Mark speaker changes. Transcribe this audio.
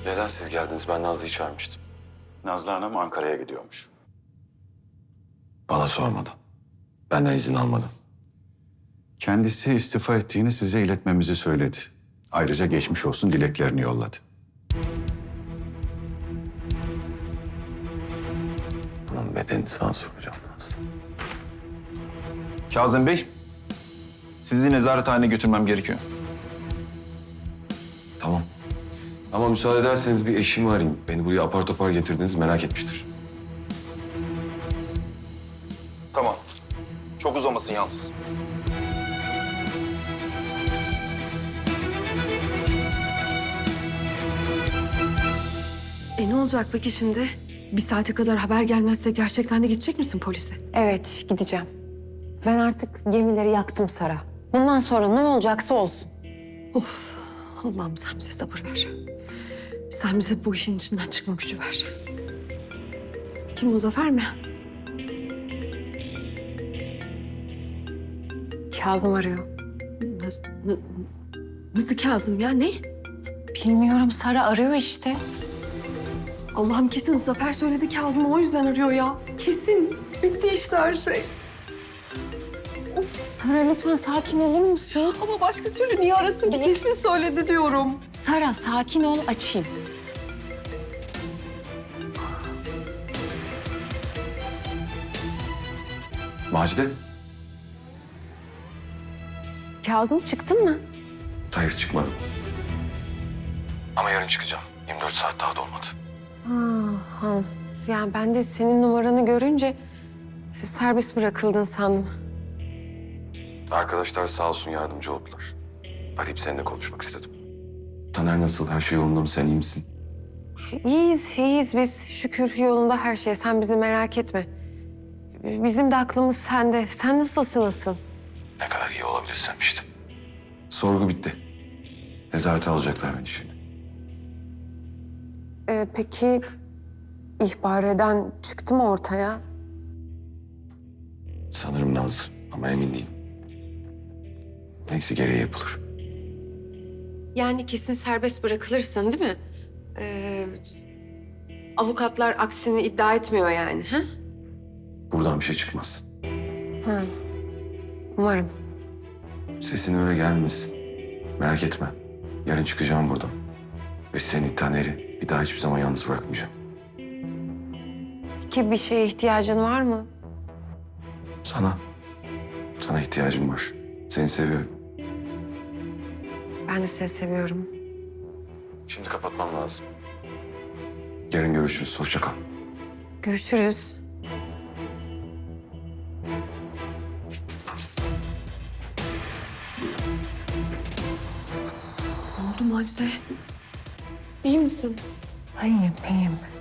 Speaker 1: Neden siz geldiniz? Ben Nazlı'yı çağırmıştım.
Speaker 2: Nazlı Hanım Ankara'ya gidiyormuş.
Speaker 1: Bana sormadan. Benden izin almadan.
Speaker 2: Kendisi istifa ettiğini size iletmemizi söyledi. Ayrıca geçmiş olsun dileklerini yolladı.
Speaker 1: Bunun bedenini sana soracağım Nazlı.
Speaker 3: Kazım Bey, sizi nezarethaneye götürmem gerekiyor.
Speaker 1: Tamam. Ama müsaade ederseniz bir eşimi arayayım. Beni buraya apar topar getirdiniz, merak etmiştir.
Speaker 3: Tamam. Çok uzamasın yalnız.
Speaker 4: Ne olacak peki şimdi? Bir saate kadar haber gelmezse gerçekten de gidecek misin polise?
Speaker 5: Evet, gideceğim. Ben artık gemileri yaktım Sara. Bundan sonra ne olacaksa olsun.
Speaker 4: Of, Allah'ım sen bize sabır ver. Sen bize bu işin içinden çıkma gücü ver. Kim o, Zafer mi?
Speaker 5: Kazım arıyor.
Speaker 4: Nasıl Kazım ya, ne?
Speaker 5: Bilmiyorum, Sara arıyor işte.
Speaker 4: Allah'ım kesin Zafer söyledi, Kazım o yüzden arıyor ya. Kesin. Bitti işte her şey.
Speaker 5: Sara lütfen sakin olur musun?
Speaker 4: Ama başka türlü niye arasın ki? Kesin söyledi diyorum.
Speaker 5: Sara sakin ol, açayım.
Speaker 1: Macide?
Speaker 5: Kazım çıktın mı?
Speaker 1: Hayır, çıkmadım. Ama yarın çıkacağım. 24 saat daha dolmadı.
Speaker 5: Ha. Yani ben de senin numaranı görünce serbest bırakıldın sandım.
Speaker 1: Arkadaşlar sağ olsun yardımcı oldular. Arayıp seninle konuşmak istedim. Taner nasıl? Her şey yolunda mı? Sen iyi misin?
Speaker 5: İyiyiz biz. Şükür yolunda her şey. Sen bizi merak etme. Bizim de aklımız sende. Sen nasılsın asıl?
Speaker 1: Ne kadar iyi olabilirsem işte. Sorgu bitti. Nezarete alacaklar beni şimdi.
Speaker 5: Peki ihbar eden çıktı mı ortaya?
Speaker 1: Sanırım Nazlı ama emin değilim. Neyse gereği yapılır.
Speaker 5: Yani kesin serbest bırakılırsın değil mi? Avukatlar aksini iddia etmiyor yani, ha?
Speaker 1: Buradan bir şey çıkmaz.
Speaker 5: Ha. Umarım.
Speaker 1: Sesin öyle gelmesin. Merak etme. Yarın çıkacağım buradan. Ve seni Taner'i bir daha hiçbir zaman yalnız bırakmayacağım.
Speaker 5: Peki bir şeye ihtiyacın var mı?
Speaker 1: Sana ihtiyacım var. Seni seviyorum.
Speaker 5: Ben de seni seviyorum.
Speaker 1: Şimdi kapatmam lazım. Yarın görüşürüz. Hoşça kal.
Speaker 5: Görüşürüz.
Speaker 4: Ne oldu Macide? İyi misin?
Speaker 5: İyiyim, iyiyim.